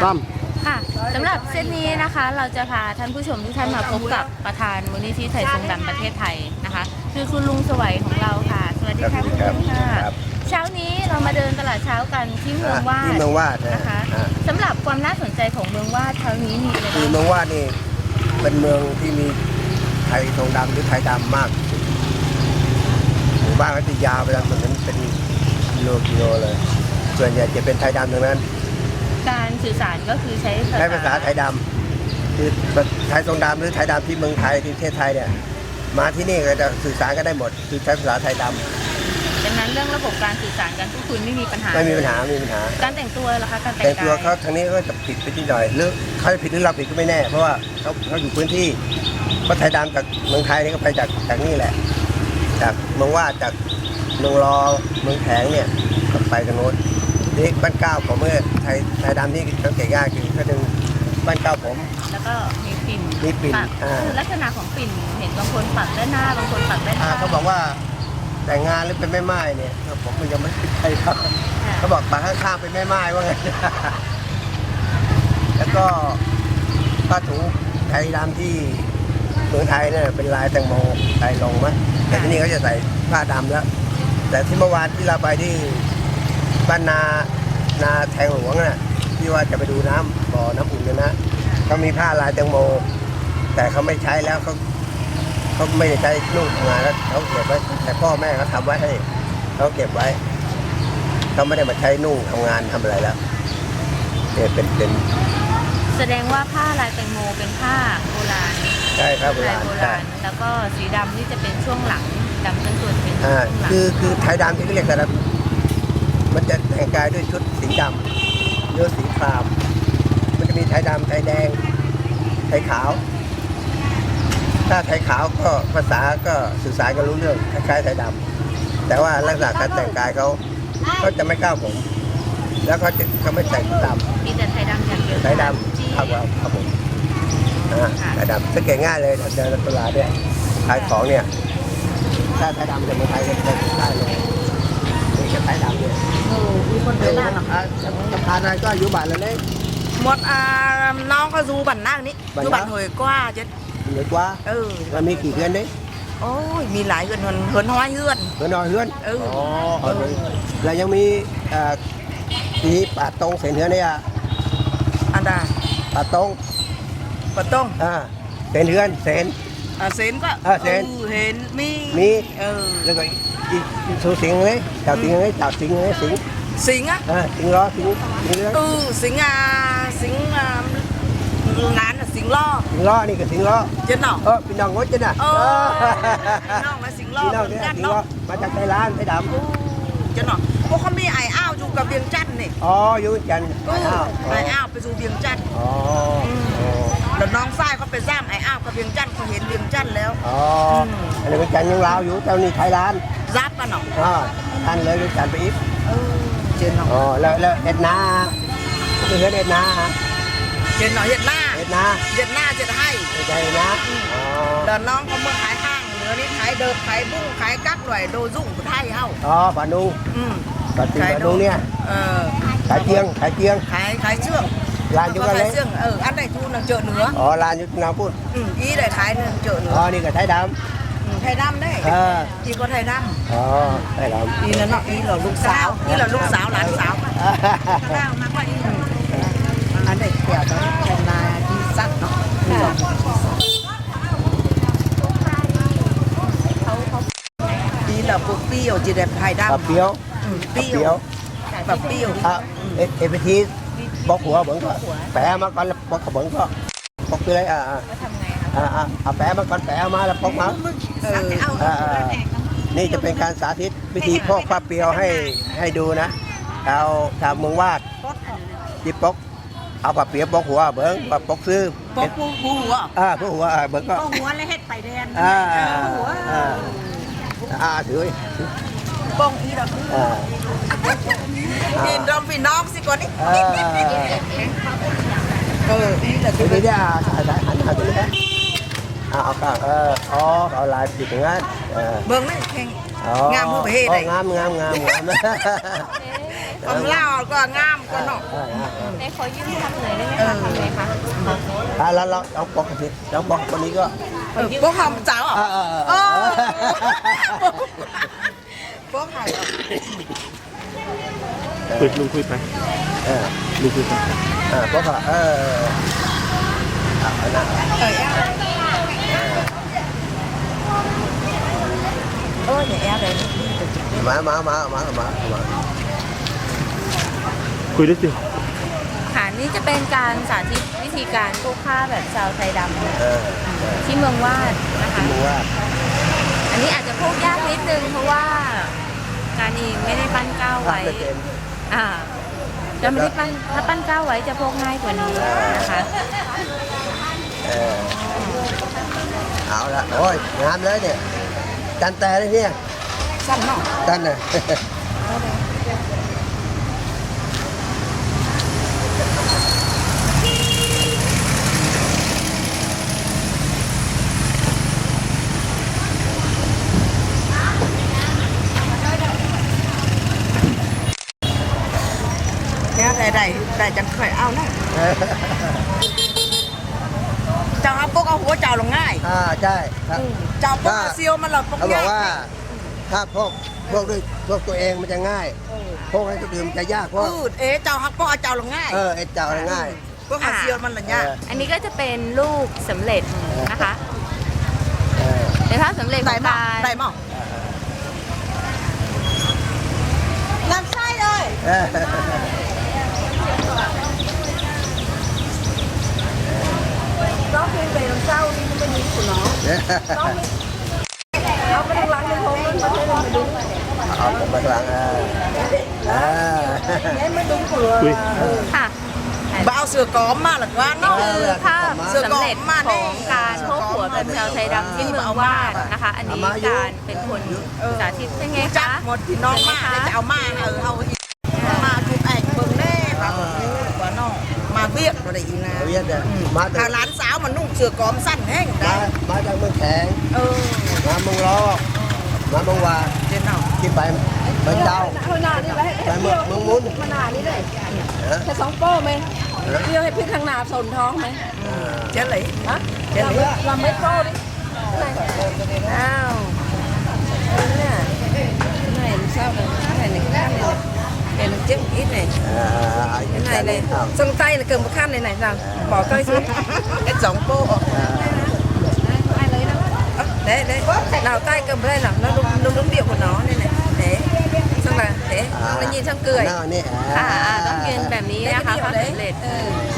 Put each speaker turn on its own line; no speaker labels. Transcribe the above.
ต้อม
ค่ะสำหรับเซตนี้นะคะเราจะพาท่านผู้ชมทุกท่านมาพบกับประธานมูลนิธิไทยทรงดำประเทศไทยนะคะคือคุณลุงสวัยของเราค่ะสวัสดีค่ะคุณลุงค่ะเช้านี้เรามาเดินตลาดเช้ากันที่เมืองวาดนะคะสำหรับความน่าสนใจของเมืองวาดเช้านี้มีอะไรบ้าง
คือเมืองวาดนี่เป็นเมืองที่มีไทยทรงดำหรือไทยดำมากหมู่บ้านก็จะยาวไปทางถนนเป็นกิโลเลยส่วนใหญ่จะเป็นไทยดำทั้งนั้น
การสื่อสารก็คือใช้
ภาษาไทยดำคือไทยทรงดำหรือไทยดำที่เมืองไทยที่ประเทศไทยเนี่ยมาที่นี่ก็จะสื่อสารกันได้หมดคือใช้ภาษาไทยดำ
ดังนั้นเรื่องระบบการสื่อสารกันทุกคนไม่มีปัญหาการแต่งตัวล่ะคะการ
แต่งตัวเขาทางนี้ก็จะผิดไปนิดหน่อยหรือเขาจะผิดหรือเราผิดก็ไม่แน่เพราะว่าเขาอยู่พื้นที่เพราะไทยดำจากเมืองไทยนี่ก็ไปจากนี่แหละจากเมืองวาดจากเมืองรอเมืองแถงเนี่ยก็ไปกันโน้นนี่บ้านเก้าของเมื่อไทยดำนี่สังเกตง่ายคือเขาดึงบ้านเก้าผม
แล้วก็มีปิ่นลักษณะของปิ่นเห็นบางคนปักด้านหน้าบางคนปักด้านข้าง
เขาบอกว่าแต่งงานหรือเป็นแม่ไม้เนี่ยผมก็ยังไม่ใช่ครับเขาบอกปักข้างๆเป็นแม่ไม้ว่าไงแล้วก็ผ้าถุงไทยดำที่เมืองไทยเนี่ยเป็นลายแตงโมลายลงมั้ยแต่ที่นี่เขาจะใส่ผ้าดำแล้วแต่ที่เมื่อวานที่เราไปที่บ้านนาแทงหลวงน่ะที่ว่าจะไปดูน้ำบ่อน้ำอุ่นกันนะเขามีผ้าลายแตงโมแต่เขาไม่ใช้แล้วเขาไม่ได้ใช้นุ่งทำงานแล้วเขาเก็บไว้แต่พ่อแม่เขาทำไว้ให้เขาเก็บไว้เขาไม่ได้มาใช้นุ่งทำงานทำอะไรแล้วเนี่ยเป็น
แสดงว่าผ้าลายแตงโมเป็นผ้าโบราณ
ใช่ครับโบราณ
แล้วก็สีดำนี่จะเป็นช่วงหลังดำเป็นส่วนเป็นช่วงหลัง
คือไทยดำที่เรียกแต่ละมันจะแต่งกายด้วยชุดสีดำหรือสีครามมันจะมีไทยดำไทยแดงไทยขาวถ้าไทยขาวก็ภาษาก็สื่อสารกันรู้เรื่องคล้ายๆไทยดำแต่ว่าลักษณะการแต่งกายเขาจะไม่ก้าวผมแล้วเขาไม่แต่งด
ำมีแต่ไทยดำอย่างเดียว
ไทยดำครับผมไทยดำสังเกตง่ายเลยเดินตลาดเนี่ยขายของเนี่ยถ้าไทยดำจะเมืองไทยจะได้เลยนี่จะไทยดำเนี่ย
มีคนเดินหน้าหรอ
จะพานายก็อยู่บ้านเลย
หมดน้องก็ดูบันนั่งนี้ดูบันหอยกว่าจะ
หอยกว่ามันมีกี่เดือนđấy
โอ้ยมีหลายเฮือนน้อยเฮือน
อ๋อแล้วยังมีที่ป่าตรงเสียนเฮือนเนี่ย
อันใด
ป่าตรงเสียนเฮือนเสียน
เซนก็เห็น
มีแล้วก็สูสิงเลยจากสิงเลยสิง
อ่ะ
สิงล้อสิงเลย
สิงร้านสิง
ล้อนี่ก็สิงล้อ
เจ้าหน่อ
พี่น้องงดเจ้าน่ะ
พี่น้องมาสิงล้อ
มาจากไทยไทยด
ำเจ้าหน่อพวกเขามีไอ้อ้าวอยู่กับเวียงจันทร์นี่
อยู่จันทร์
ไอ้อ้าวไปสู่เวียงจันทร์แล้วน้องฝ้ายเขาไปซ้ำไอ้อ้าวกับเวียงจันทร์เขาเห็นเวียงจันทร์แล้ว
อันนี้เวียงจันทร์ยังลาวอยู่เจ้านี่ไทยร้าน
รับกันหน่อ
ท่านเลยเวียงจันทร์ไปอีก
เจนหน่อ
แล้วเอ็ดนาคือเอ็ดนา
เจนหน่อเห็ดหน้าจะให้
ใจนะ
เดินน้องเขาเมื่อขายห้างเหลือนี่ขายเดิมขายบุ้งขายกั๊กหน่อยโดยุ่งไทยเฮ้า
ปานูปานูเนี่ยขายเชียง
ขายเชื่อง
ร้านอยู่กันเลย
อันไหนทูนังเจอเนื้อ
ร้านอยู่น้ำพูด
อีได้ขายนึงเจอเนื้อ
นี่ก็ไทยดำ
ได้อีก็ไทยด
ำไทยดำ
อีนั่นเนาะอีเหล่าลูกสาวหลานสาวข้าวมากกว่าอีอันไหนเกี่ยวกับแคนนาที่ซักเนาะอีเหล่าปุ๊บเปรี้ยวจีเด็ดไทยดำ
เปรี้ยว
แบบเปรี้ยว
ไปทีบอกหัวเบิ้งก็แปะมาก่อนแล้วบอกเบิ้งก็บอกคืออะไรแปะมาก่อนแปะมาแล้วบอกมานี่จะเป็นการสาธิตวิธีพอกผ้าเปรี้ยวให้ดูนะชาวเมืองวาดที่ปกเอาผ้าเปรี้ยวปกหัวเบิ้งปกซื้อ
ปกหัว
ผู้หัวเบิ้งก็
หัวเลยเฮ็ดไปแดน
ถือ
ป้องอีดอกกินรอมพี่น้องสิก่อนนี่
นี่แหละคือนี่เนี่ยหันตัวนี้เอาก็เอาลายติดอย่างนั้น
เบิ้งนั่นแข่งงามผู้ประเทศ
งาม
còn lao còn ngam còn nọ
ในขอยืมทำหน่อยได้ไหมคะทำไงคะ
แล้วเราปอกกันสิเราปอกคนนี้ก็
bố hồng cháu à
เออ
bố hồng
คุยลุงคุยไป
เออ
ลุงคุยไป
ปอกอ่ะ
ôi nhà em đây
มา
คุยด้วยสิ
ค่ะนี่จะเป็นการสาธิตวิธีการปลูกข้าวแบบชาวไทยดำ
เออ
ที่เมืองวาดนะคะ
รู้ว่า
อันนี้อาจจะพูดยากนิดนึงเพราะว่าการเองไม่ได้ปั้นก้าวไว้
ไม่เป็น
จะไม่ได้ปั้นถ้าปั้นก้าวไว้จะพกง่ายกว่านี้นะคะ
เอาละโอ้ยงามเลยเนี่ยจันแต่เลยเนี่ย
xanh nọ
จันน่ะ
đây đây đây chẳng khởi ao này chào hấp bốc ao húa chào là ngay
ใช่ครับ
chào bốc ao siêu mà là bốc
เขาบอก
ngay
ว่าถ้าพวกด้วยพวกตัวเองมันจะง่ายพวกให้คนอื่นมันจะยากเพราะ
ế chào hấp bốc ao chào là ngay
ไอ้เจ้าง่าย
bốc ao siêu mà là nha
อันนี้ก็จะเป็นลูกสำเร็จนะคะเป็นภาพสำเร็จของ
đại
การ
mỏng đại mỏng làm sai rồi nó khi về làm sao đi nó mới nhìn của nó nó mới đang lắng lên hôn nó thấy là mình đúng
เอาผมมาหลัง
em mới đúng của
คุย
ค่ะ
bao sửa có mà là quá
นี่
nó
คือภาพสำเร็จของการโพกหัวแบบชาวไทยดำที่เมืองวาดนะคะ อันนี้การเป็นคนสาธิตเป็นไงคะ
chắc một thì nó mà để chào mà mà chụp ảnh mừng nè và quá nó mà biết rồi đấy
เวีย
là
นเนี่ยมาจาก
thằng lán sáo mà nung sửa cóm sẵn hết
มาจากเมืองแข็ง มาเมืองล้อมาเมืองวา
trên nào
ที่ไปเมืองเจ้า
hồi nào đi lấy
ไปเมืองมุ้น
mà nào đi đây cái sóng po mày yêu hay biết thằng nào sồn thong mày
chết lấy
hả
chết lấy
làm mấy po đi nào cái này làm sao này cái này khác này này làm chết một ít này cái này xong tay là cầm một khăn này này nào bỏ cây xuống
cái giống cô
ai lấy đâu
đấy đấy
nào tay cầm đây nào nó đúng điệu của nó đây này thế xong là thế xong là nhìn xong cười
หน้านี่
ต้องยืนแบบนี้นะคะภาพสำเร็จ